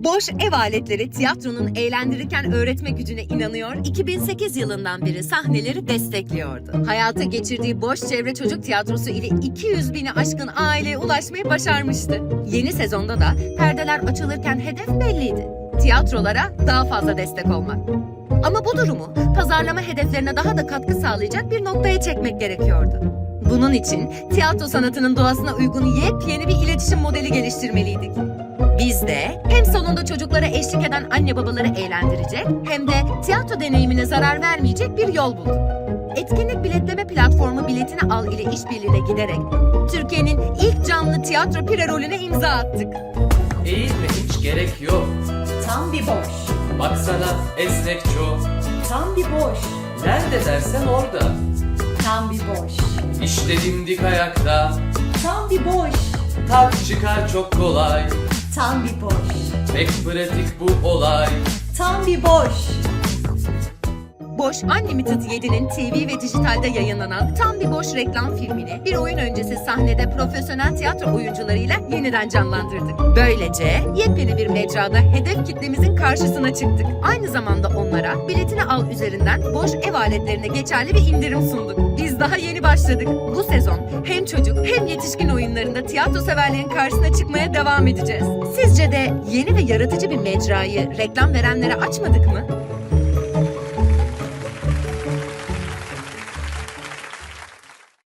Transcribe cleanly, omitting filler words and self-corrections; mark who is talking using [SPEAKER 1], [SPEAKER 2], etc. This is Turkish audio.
[SPEAKER 1] Boş ev aletleri tiyatronun eğlendirirken öğretme gücüne inanıyor, 2008 yılından beri sahneleri destekliyordu. Hayata geçirdiği Boş Çevre Çocuk Tiyatrosu ile 200 bini aşkın aileye ulaşmayı başarmıştı. Yeni sezonda da perdeler açılırken hedef belliydi: tiyatrolara daha fazla destek olmak. Ama bu durumu pazarlama hedeflerine daha da katkı sağlayacak bir noktaya çekmek gerekiyordu. Bunun için tiyatro sanatının doğasına uygun yepyeni bir iletişim modeli geliştirmeliydik. Biz de hem salonda çocuklara eşlik eden anne babaları eğlendirecek hem de tiyatro deneyimine zarar vermeyecek bir yol bulduk. Etkinlik biletleme platformu Biletini Al ile işbirliğine giderek Türkiye'nin ilk canlı tiyatro pire rolüne imza attık.
[SPEAKER 2] Eğilme, hiç gerek yok.
[SPEAKER 3] Tam bir boş.
[SPEAKER 2] Baksana esnek çok.
[SPEAKER 3] Tam bir boş.
[SPEAKER 2] Nerede dersen orada.
[SPEAKER 3] Tam bir boş.
[SPEAKER 2] İşte dimdik ayakta.
[SPEAKER 3] Tam bir boş.
[SPEAKER 2] Tak çıkar çok kolay.
[SPEAKER 3] Tam bir boş.
[SPEAKER 2] Pek pratik bu olay.
[SPEAKER 3] Tam bir boş.
[SPEAKER 1] Boş Unlimited 7'nin TV ve dijitalde yayınlanan Tam Bir Boş reklam filmini bir oyun öncesi sahnede profesyonel tiyatro oyuncularıyla yeniden canlandırdık. Böylece yepyeni bir mecrada hedef kitlemizin karşısına çıktık. Aynı zamanda onlara Biletini Al üzerinden boş ev aletlerine geçerli bir indirim sunduk. Biz daha yeni başladık. Bu sezon hem çocuk hem yetişkin oyunlarında tiyatro severlerin karşısına çıkmaya devam edeceğiz. Sizce de yeni ve yaratıcı bir mecrayı reklam verenlere açmadık mı?